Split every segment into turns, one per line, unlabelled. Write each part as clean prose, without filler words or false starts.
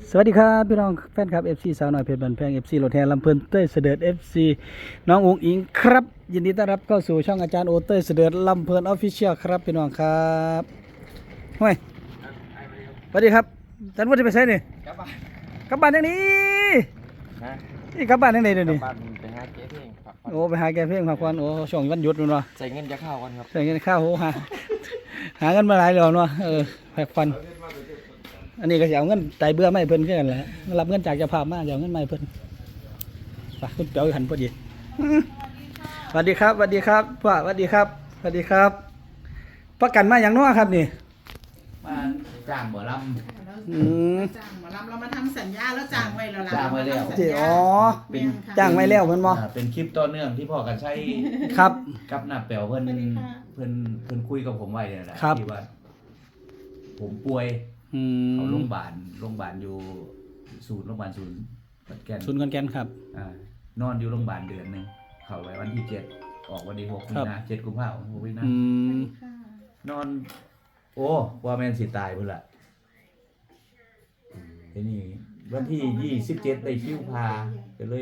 สวัสดีครับพี่น้องแฟนคลับ FC สาวน้อยเพชรบันแพง FC รถแห่ลำเพลินเต้ยเสด็จ FC น้องอุ๋งอิงครับยินดีต้อนรับเข้าสู่ช่องอาจารย์โอเต้ยเสด็จลำเพลินออฟฟิเชียลครับพี่น้องครับห้วยสวัสดีครับอาจารย์ว่าจะไปใช้นี่กลับบ้านอย่างนี้นี่กลับบ้านอย่างไหนเดี๋ยวนี้
บ้านไปหาเจ๊เพลงผัก
โอ้ไปหาแกเพลงพักผ่อนโอ้ช่วงวันหยุดนู่นวะ
ใส่เงินจะเข้ากันครับ
ใส่เงินข้าวโอ้หาเงินมาหลายเดือนวะพักผ่อนอันนี้ก็จะเอาเงินไตเบื่อไม่เพิ่นขึ้นกันแหละรับเงินจากเจ้าภาพมาจะเอาเงินไม่เพิ่นไปคุณเปียวหันพอดีสวัสดีครับสวัสดีครับพ่อสวัสดีครับสวัสดีครับประกันมาอย่างน้อครับนี่
มาจ้างบ่ล
จ้างหมอลำเรามาทำสัญญาแล้วจ้างไว้แล้วล่ะ
จ้างไว้แล้ว
ที่อ๋อ
แม่นค่ะ
จ้างไว้แล้วเพิ่นบ่
ำเป็นคลิปต่อเนื่องที่พ่อกันใช้
ครับ
กับหน้าแป๋วเพิ่นคุยกับผมไว้เนี่ยแหละ
ครับ
ที่ว่า ผมป่วย
อืม
เขาโรงพยาบาลอยู่โรงพยาบาลศูนย์ขอนแก่น
ศูนย์ขอนแก่นครับ
นอนอยู่โรงพยาบาลเดือนหนึงเข้าไว้วันที่7ออกวันที่6มี
ครับ
นา7กุมภาพันธ์6มีนา
อืม
ค่ะ
นอน โอ้ว่าแม่นสิตายพุ่นล่ะทีนี้วันที่27ได้คิวพาก็เลย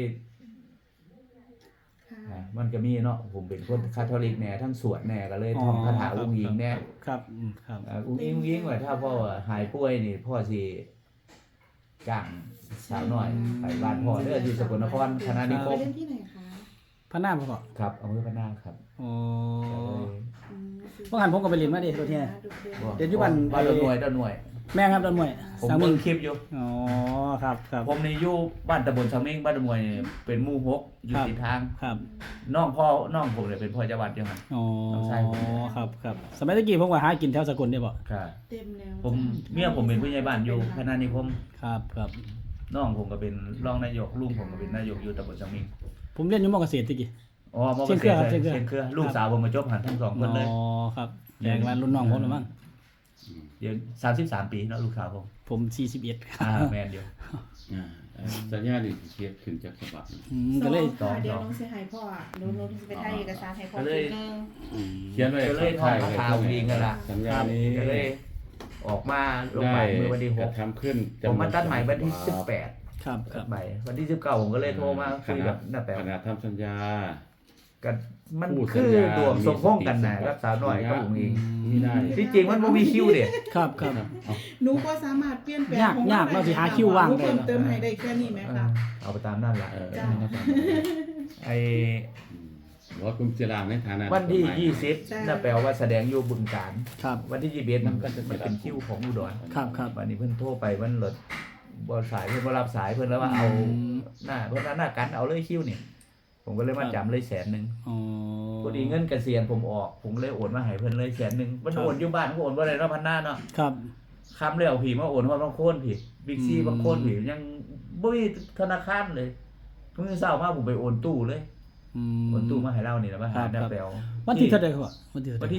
ค่ะ
มันก็มีเนาะผมเป็นคนคาทอลิกแหน่ทั้งสวดแหน่ก็เลยท่องคาถาอุ้งอิงแหน่
ครับครับ
อุ้งอิงว่าถ้าพ่อหายป่วยนี่พ่อสิจ้างสาวน้อยไปบ้านพ่อเด้อที่สกลนครคณะนิค
ไป
ม
เล่นที่ไหนคะ
พระนามพ่อ
ครับอำเภอพะนาครับ
อ๋อ
ก็เลย
เมื่อหันผมก็ไปเรียนมาดิรถแห่ เดี๋ยวอยู่บ้าน
บ้านดอนหน่วยดอนหน่วย
แม่ครับดอนมวย
ผม
สาม
เบิ่
มึ
ง
ง
คลิปอยู่
อ๋อครับครับ
ผมนี่อยู่บ้านตำบลสังเมงบ้านดอนหน่วยนี่เป็นหมู่6อยู่
ครับ
ติดทาง
ครับ
น้องผมเนี่ยเป็นพ่อจังหวัดเดียวกัน
อ๋อ
น้องชายผม
ครับครับสมัยตะกี้ผมก็หากินแถวสกลเนี่ยบ่
ครับ
เต็มแล้ว
ผมเมียผมเป็นผู้ใหญ่บ้านอยู่คณะนิคม
ครับครับ
น้องผมก็เป็นรองนายกลุงผมก็เป็นนายกอยู่ตำบลสังเมง
ผมเรียนอยู่มอเกษตรตะกี้
อ๋อมอเก
เชี
ษ
ยง
ต
เครือครับ
รเลย
เชียงเครือ
เชียงเครือลูกสาวผมมาจบหันทั้งสองคนเลย
อ๋อครับแข่งมารุ่นน้องผมแล้วมั้ง
เดี๋ยว33 ปีเนาะลูกสาวผม
ผม41ครับ
แมนเดียว
สัญญาดิเทียบขึ้นจากฉบับ
ก็เลย
ค่ะเดี๋ยวน้องเสียหายพ่อหนูจะไปถ่ายเอกสารให้พ่อ
ก็เลย
ทีนึง
เขียนไว้
ก็เลยท่องคาถาอุ้งอิงกันละ
สัญญานี้
ก็เลยออกมาลงใหม่เมื่อวันที่
กระทำขึ้น
6ผมมาตัดใหม่วันที่
ครับค
18ตั
รั
ด
บ
ใหม่วันที่19ผมก็เลยโทรมาคุยกับน้าแป๋ว
ขณะทำสัญญา
กันมัน
พูด
คือ
สัญญา
ดวงสมพงษ์กันนะครับสาวน้อยกับอุ้งอิง
นี่ได้
ที่จริงมันบ่มีคิวเด้
ครับครับ
หนูก็สามารถเปลี่ยนแปลง
ยากเราสิหาคิวว่างได้
เพิ่มเติมให้ได้แค่นี้ไหมคะ
เอาไปตามนั่นแหละ
จ้ะ
ไอ้
รถกลุ่มเจรางในฐานะ
วันที่
ใช่
20น่าแปลว่าแสดงอยู่บึงกาฬ
ครับ
วันที่21มันเป็นคิวของอุดร
ครับครับ
วันนี้เพิ่นโทรไปมันรถบ่สายเพิ่นบ่รับสายเพิ่นแล้วว่าเอา หน้าเพิ่นว่าหน้ากันเอาเลยคิวนี่ผมก็เลยมาจำเลย100,000
อ๋อ
พอดีเงินเกษียณผมออกผมเลยโอนมาให้เพิ่นเลย100,000มัน
ครับ
โอนอยู่บ้านก็โอนบ่ได้เนาะพันหน้าเนาะ
ครับ
คำแล้วพี่มาโอนฮอดบางโคนพี่บิ๊กซี
อืม
บางโคนพี่ยังบ่มีธนาคารเลยเพิ่งเช้ามาผมไปโอนตู้เลย
อื
โอนตู้มาให้เรานี่แล้วมา
ครั
หา
บ
หน้า
ครับ
แปลว
วันที่เท่าไหร่ครับวันที่เท่าไห
วัน
ร่
ที่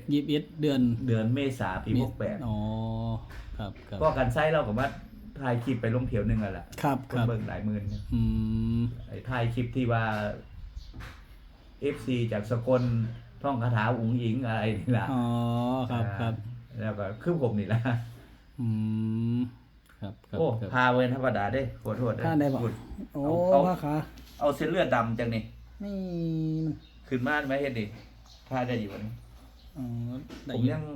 21เดือน
21เดือนเมษายนปี68
อ๋อครับครับ
ก็กันไส้เราก็มาถ่ายคลิปไปลงเถียวหนึงอ่ะแหละ
ครับ
ค
คน รับ
เบิ่งหลายหมื่นเนี่ย
อืม
ไอ้ถ่ายคลิปที่ว่า FC จากสกลท่องคาถาอุ๋งอิงอะไรนี่ล่ะ
อ๋อครับครับ
แล้วก็คือผมนี่ล่ะ
อืมครับครับ
โอ้
ครับ
พาเว้นธรรมดาเด้ขอโทษเด้
พาได้บ่
พู
โอ้
เอา
พระขา
เอาเส้นเลือดดำจังนี่
นี่
ขึ้นมาไหมเฮ็ดดิพาได้อยู่บ่นี่
อ๋อได้
ผมยัง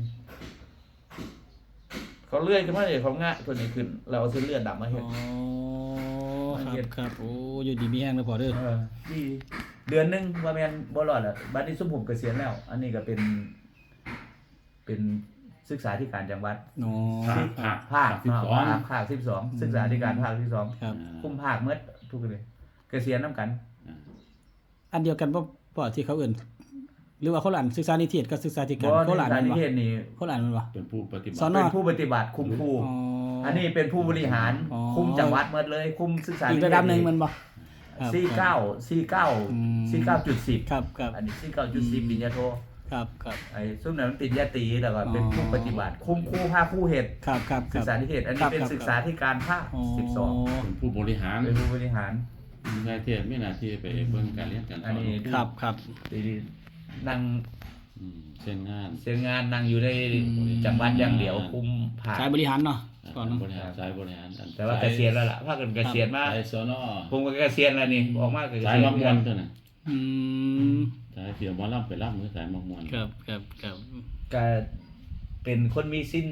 เขาเลื่อยขึ้นมาเลยเขางะตัวนี้ขึ้นเราเอาเส้นเลือดดำมา
อ๋
เฮ็ด
อครับครับโอ้อยู่ดีมีแห้งเลยพอเด้อ
ที่เดือนหนึงว่าแม่นบ่รอดอ่ะบัดนี้ซุมผมเกษียณแล้ว อันนี้ก็เป็นศึกษาธิการจังหวัด
อ๋อ
ภาค
ภาค
12
ภาค12ศึกษาธิการภาคที่2
ครับ
คุมภาคเมื่อทุกเลยเกษียณนํกัน
อันเดียวกันป่ที่เขาเอื่นหรือว่าเขาหลานศึกษานิเทศกับศึกษาธิการ
บ่
เขาหลาน
ใน
มัน
นิ
วะ
เทศนี่
เขาหลานมันวะ
เป็นผู้ปฏิบั
สอ
ติ
น
เป็นผู้ปฏิบัติคุมครู
อ๋อ
อันนี้เป็นผู้บริหาร
อ๋อ
คุมจังหวัดหมดเลย คุมศึกษา
อีกระดับหนึ่งมันบ่ครับ
49
อืม
49.10
ครับครับ
อันนี้49.10ปริญญาโท
ครับครับ
ไอ้ซุ่มนั้นมันปริญญาตรีแล้วก็เป็นผู้ปฏิบัติ คุมครูภาคผู้เฮ็ด
ครับครับค
ศึ
รั
ก
บ
ษานิเทศ อัน
ครั
นี้
บ
เป็น
ครับ
ศึกษาธิการภาค
อ๋อ
เป็นผู้บริหาร
12เป็นผู้บริหาร
นายเทศไม่น่าที่ไปเบิ่งการเรียนการส
อั
อน น
นี้
ครับครับ
ดีนั่ง
เช่นงาน
เสียงานนั่งอยู่ใน
อืม
จังหวัดอย่างเดียวคุมภาค
สายบริหารเนาะก่อนเนาะ
บริหารสายบริหารอัน
แต่ว่าเกษียณแล้วล่ะพากันเกษียณมา
สายสน
ผมก็เกษียณแล้วนี่ออกมาก็เก
สาย
ษียณ
มักมวนตัวน่ะ
อืม
สายเสียงหมอลำไปรับมือสายมักมวน
ครับครับครับ
ก็เป็นคนมีสิ้น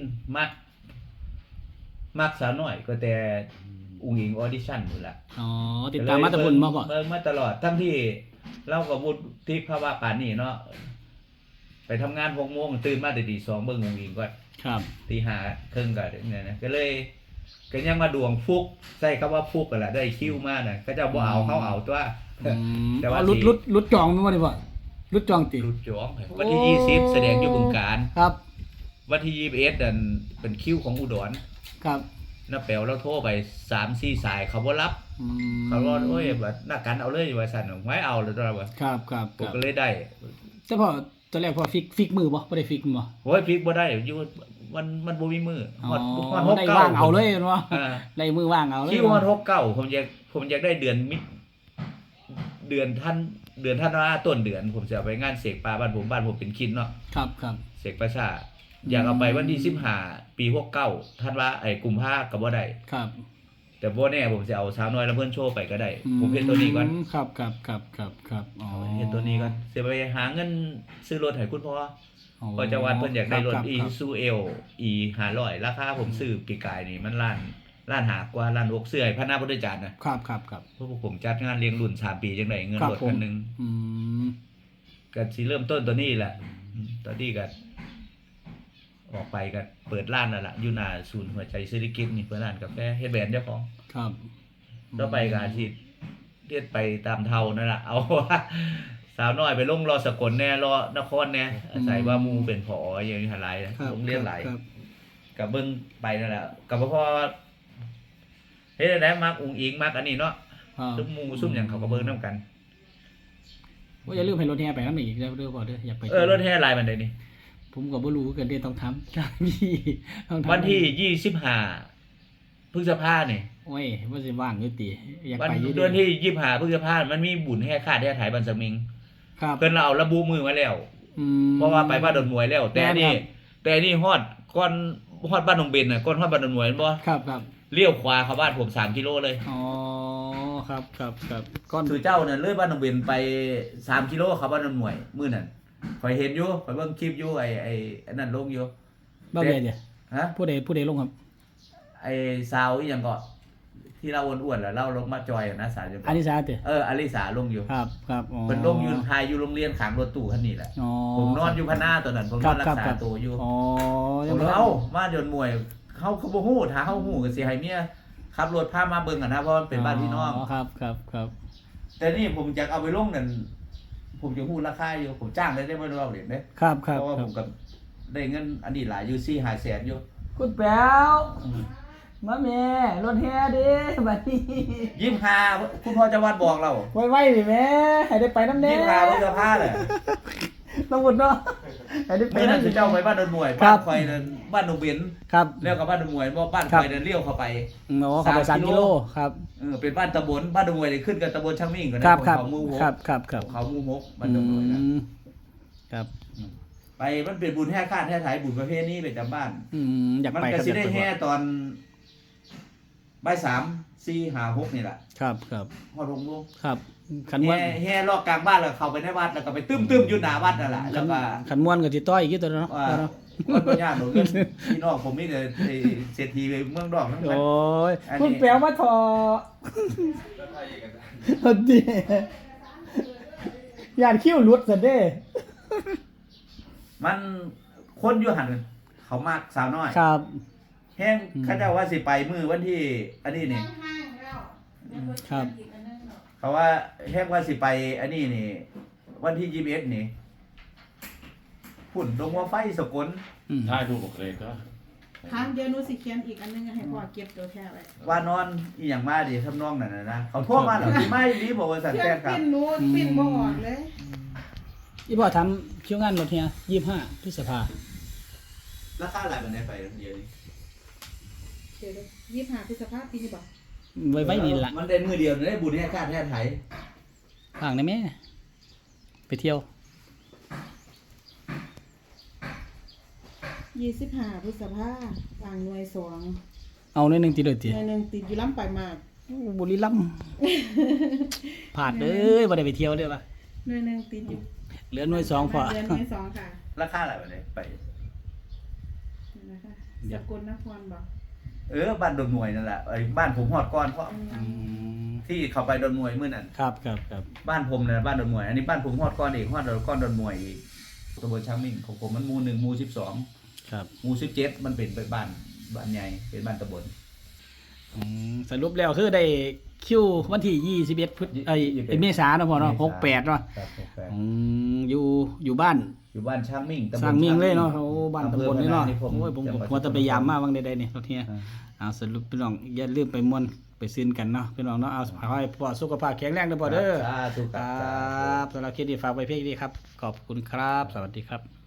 มักสาวน้อยก็แต่อุ้งอิงออดิชั่นอยู่ละ
อ๋อติดตามมาแตะพุ่นมาบ่
เบิ่งมาตลอดทั้งที่เราก็วุฒิภาวะปานนี้เนาะไปทำงาน6 โมงตื่นมาแต่ตี 2เบิ่งอุ้งอิงก่อน
ครับ
ตี 5 ครึ่งก็เนี่ยนะก็เลยก็ยังมาดวงฟุกใช้คำว่าฟุกกันละได้คิวมาน่ะก็จะบ่เอาเขาเอาตัว
อืม
แต่ว่า
อ๋อรุดจองมั้ยบ่ได้บ่รุดจองติ
รุดจองวันที่20แสดงอยู่บึงกาฬ
ครับ
วันที่21นั่นเป็นคิวของอุดร
ครับ
น้าแป๋วเราโทรไป 3-4 สายเขาบ่รับ
อืม
เขาว่าโอ้ยว่านักกันเอาเลยว่าซั่นไว้เอาเลยตัวว่า
ครับครับ
ผ
ค
ม
รับ
ก็เลยได้
แต่พอตอนแรกพอฟิกมือบ่ได้ฟิกบ่
โอ้ยพลิกบ่ได้อยู่มันบ่มีมือฮอดฮอด
ได้
69
ว่างเอาเลยเนาะ
อ่า
ได้มือว่างเอาเลย
คิวฮอด69ผมอยากได้เดือนท่านว่าต้นเดือนผมจะเอาไปงานเสกปลาบ้านผมเป็นคินเนาะ
ครับครับ
เสกประชาอยากเอาไปวันที่15ปี69ท่านว่ากุมภาก็บ่ได้
ครับ
แต่บ่แน่ผมจะเอาสาวน้อยลำเพิ่นโชว์ไปก็ได้ ผมเฮ็ดตัวนี้ก่อน
ครับครับครับครับครับอ๋อ
เฮ็ดตัวนี้ก่อนสิไปหาเงินซื้อรถให้คุณพ่อพอจะวัดเพิ่นอยากได้รถ Isuzu L E 500ราคาผมซื้อปีกายนี่มันล้านหากว่าล้าน6เสื้อให้พระนาพุทธจารย์นะครับ
ครับครับ
เพราะพวกผมจัดงานเลี้ยงรุ่น3ปีจังได๋เงินรถคันหนึง
อืม
ก็สิเริ่มต้นตัวนี้แหละตอนนี้ก็ออกไปก็เปิดร้านแล้วล่ะอยู่หน้าศูนย์หัวใจเศรษฐกิจนี่เปิดร้านกาแฟเฮ็ดแบรนด์เจ้าของ
ครับ
ต่อไปก็อาชีพเรียนไปตามเท่านั่นล่ะเอาว่าสาวน้อยไปลงรอสกลแน่รอนครแน่อาศัยว่าหมู่เป็นผออย่างนี้หลายโรงเรียนหลาย
ครับ
ก็เบิ่งไปนั่นแหละก็บ่พอเฮ็ดได้มักอุ้งอิงมักอันนี้เนาะ
ครับ
ซุมหมู่ซุมหยังเขาก็เบิ่งนํกัน
ว่าอย่าลืมให้รถแห่ไปนำอีกเด้อบ่เด้ออยากไป
รถแห่หลายมันได้นี่
ผมก็บ่รู้คือกันเด้ต้องทำ จ้าพี่ต้องทำ
วันที่25พฤษภาคมนี่
โอ้ยว่าสิว่างอยู่ติอยาก
วัน
ไปอยู่
เดือนที่25พฤษภาคมมันมีบุญแห่ขาดแห่ไถบันสมิง
ครับ
เพิ่นเราเอาระบุมือมาแล้ว
อืม
เพราะว่าไปบ้านดอนมวยแล้ว แต่นี่
ครับ
แต่นี่ฮอดก่อนฮอดบ้านหนองเบนน่ะก่อนฮอดบ้านดอนมวยแม่นบ่
ครับครับ
เลี้ยวขวาเข้าบ้านผม3กิโลเลย
อ๋อครับครับครับก้อน
ถือเจ้าน่ะเลยบ้านหนองเบนไป3กิโลเข้าบ้านดอนมวยมื้อนั้นข่อยเห็นอยู่ข่อยเบิ่งคลิปอยู่ไอ้อันนั้นลงอยู่
บ้าเบียเด้
ฮะ
ผู้ใดลงครับ
ไอ้สาวอีหยังก็ที่เราอ้วนๆแล้วเราลงมาจอยอะนะสาวจัง
อานิสาเด้
อลิสาลงอยู่
ครับครับอ๋อ
เพิ่นลงอยู่ถ่ายอยู่โรงเรียนข้างรถตู้คันนี้แหละ
อ๋อ
ผมนอนอยู่พะหน้าตอนนั้นผมนอนรักษาตัวอยู่
อ๋อ
ผมเลยเอ้ามาเดินมวยเขาบ่ฮู้ถ้าเฮาฮู้ก็สิให้เมียขับรถพามาเบิ่งอะนะเพราะมันเป็นบ้านพี่น้อง
ครับครับครับ
แต่นี่ผมจะเอาไปลงนั่นผมจะฮู้ราคาอยู่ผมจ้างได้บ่เอาเหรียญเด้
ครับครับ
เพราะว่าผมก็ได้เงินอันนี้หลายอยู่4-5แสนอยู่
คุณแป๋วมาแม่รถแห่เด้บัดนี้
25คุณพ่อจะวัดบอกเรา
ไว้ๆดิแม่ให้ได้ไปน้ำแน่
25พฤษภาคมน่ะ
ต้องหมดเนาะให้ได้ไป
มื้อนั้นสิเจ้าไปบ้านดอนมวย
ครั
บ้า
บ
นข่อยนั่นบ้านหนองเบน
ครับ
แล้วก็บ้านดอนมวยบ่บ้าน
ครั
ข่
บ
อยนั่นเลี้ยวเข้าไป
อ๋อเข้าไป3 กิโลครับ
เป็นบ้านตำบลบ้านดอนมวยนี่ขึ้นกับตำบลช่างมิ่งกัน
ครับ
นะ
ครับ
เขาหมู่หก
ครับครับครับ
เขาหมู่หกบ้านดอนมวยนะ
ครับ
ไปมันเป็นบุญแห่คาดแห่ไถบุญประเภทนี้ประจำบ้าน
อยาก
มัน
ไป
ก็
ครับ
สิได้
อยากไป
แห่ตอนบ่าย3 4 5 6นี่แหละ
ครับครับ
ฮอด6โมง
ครับขันม้วน
แห่รอบกลางบ้านแล้วเข้าไปในวัดแล้วก็ไปตึ้มๆอยู่หน้าวัดนั่นแหละแล้วก็
ขันม้วนก็สิต้อยอีกตัวเนาะ
ว่ามันบ่ยากหรอกเงินพี่น้องผมมีแต่ไอ้เศรษฐีไปเมืองนอกทั้งนั้น
โอ้ย
อันนี้
คุณแปลว่าทอเอาดิยานคิ้วหลุดซะเด้
มันคนอยู่หั่นเขามากสาวน้อย
ครับ
แห้งเขาเจ้าว่าสิไปมื้อวันที่อันนี้นี่
ห้างๆแล้ว
ครับ
เขาว่าแห้งว่าสิไปอันนี้นี่ วันที่21นี่ฝุ่นลงหัวไฟสกล
ถ่ายรูปโอเคก็
ทางเดียวหนูสิเขียนอีกอันนึงให้พ่อเก็บตัวแท้ไว้
ว่านอนอีหยังมาดิทำนองนั้นน่ะนะเขาโทรมาแล้วสิมาอีหลีบอกว่าสั่น
เครื่
แฟ
อง
นครับ
ปิ้นหนูปิ้นบ่ออกเลย
อีพ่อทำคิวงานรถเฮีย25พฤษภา
ราคาหลายบันไดไปเดียวนี้
เดี๋ยว25พฤษภาคมปีนี้บ่
ไว้นี่ล่ะ
มันได้มือเดียวได้บุญให้ชาติให้ไทย
ห่างได้แม่ไปเที่ยว
25พฤษภาคมวางหน่วย2
เอาหน่อยหนึงติดเลยติ
หน่วยหนึงติดอยู่ล้ำไปมาก
บุรีรัมย์ผาดเด้อบ่ได้ไปเที่ยวเด้อว่ะ
หน่วยหนึงติดอยู่
เหลือหน่วยสองพอ
เดือนหน่วยสองค่ะ
ราคาอะไรวะเนี่ยไป
นี่นะคะสกลนครบอก
บ้านดอนมวยนั่นแหละไอ้บ้านผมฮอดก่อนเพราะ
อืม
ที่เขาไปดอนมวยมื้อนั้น
ครับครับครับ
บ้านผมนะบ้านดอนมวยอันนี้บ้านผมฮอดก่อนอีกฮอดก้อนดอนมวยอีกตำบลช้างมิ่งของผมมันหมู่1หมู่12
ครับ
หมู่17มันเป็นบ้านใหญ่เป็นบ้านตำบล
สรุปแล้วคือได้คิววันที่21พฤษเมษายนเนาะพ่อเนาะ68เนาะ
ครับ
อยู่บ้าน
อยู่บ้านช้างมิ่งตำบล
สร้างมิ่งเลยเนาะโอ้บ้านตำบลนี่เนาะ
อำภอพญ
โอ้ยผม
จังหวัด
หัวจะไปยามมาบางใดๆนี่รถเฮีย
อ่า
เอาสรุปพี่น้องอย่าลืมไปม่วนไปซื้อกันเนาะพี่น้องเนาะเอาขอให้พ่อสุขภาพแข็งแรงเด้อพ่อเด้อ
สาธุ
ค
ค
ร
รั
ับสำหรับคลิปนี้ฝากไว้เพียงนี้ครับขอบคุณครับ สวัสดีครับ